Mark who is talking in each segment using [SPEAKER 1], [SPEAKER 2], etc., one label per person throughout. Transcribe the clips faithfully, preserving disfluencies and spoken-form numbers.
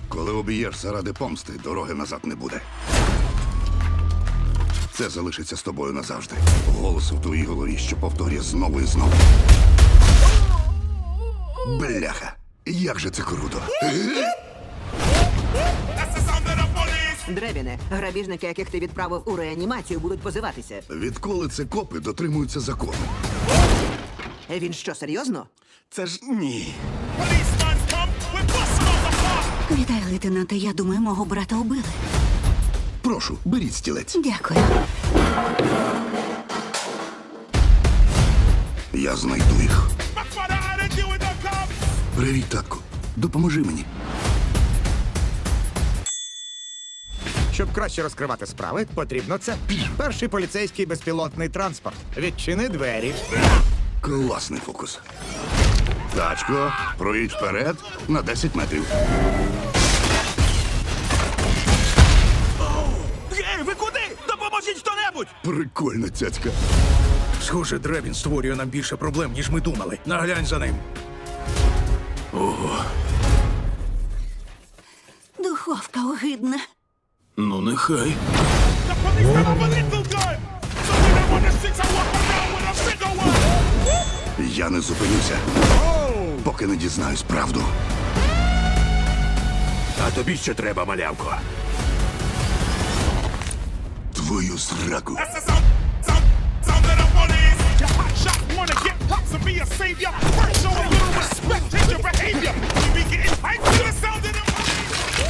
[SPEAKER 1] Коли об'єш заради помсти, дороги назад не буде. Це залишиться з тобою назавжди. Голос в твоїй голові, що повторює знову і знову. Бляха, як же це круто.
[SPEAKER 2] Дребіне, грабіжники, яких ти відправив у реанімацію, будуть позиватися.
[SPEAKER 1] Відколи це копи дотримуються закону?
[SPEAKER 2] Він що, серйозно?
[SPEAKER 1] Це ж ні.
[SPEAKER 3] Вітаю, лейтенанте. Я думаю, мого брата убили.
[SPEAKER 1] Прошу, беріть стілець.
[SPEAKER 3] Дякую.
[SPEAKER 1] Я знайду їх. Привіт, татку. Допоможи мені.
[SPEAKER 4] Щоб краще розкривати справи, потрібно це. Перший поліцейський безпілотний транспорт. Відчини двері.
[SPEAKER 1] Класний фокус. Тачко, проїдь вперед на десять метрів.
[SPEAKER 5] Ей, ви куди? Допоможіть хто-небудь!
[SPEAKER 1] Прикольна цяцька.
[SPEAKER 5] Схоже, Дребін створює нам більше проблем, ніж ми думали. Наглянь за ним.
[SPEAKER 3] Духовка огидна.
[SPEAKER 5] Ну, нехай.
[SPEAKER 1] Я не зупинюся, поки не дізнаюсь правду.
[SPEAKER 5] А тобі що треба, малявко?
[SPEAKER 1] Твою зраку.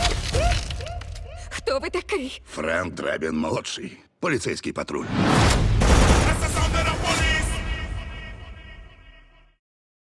[SPEAKER 3] Хто ви такий?
[SPEAKER 1] Френк Дребін молодший. Поліцейський патруль.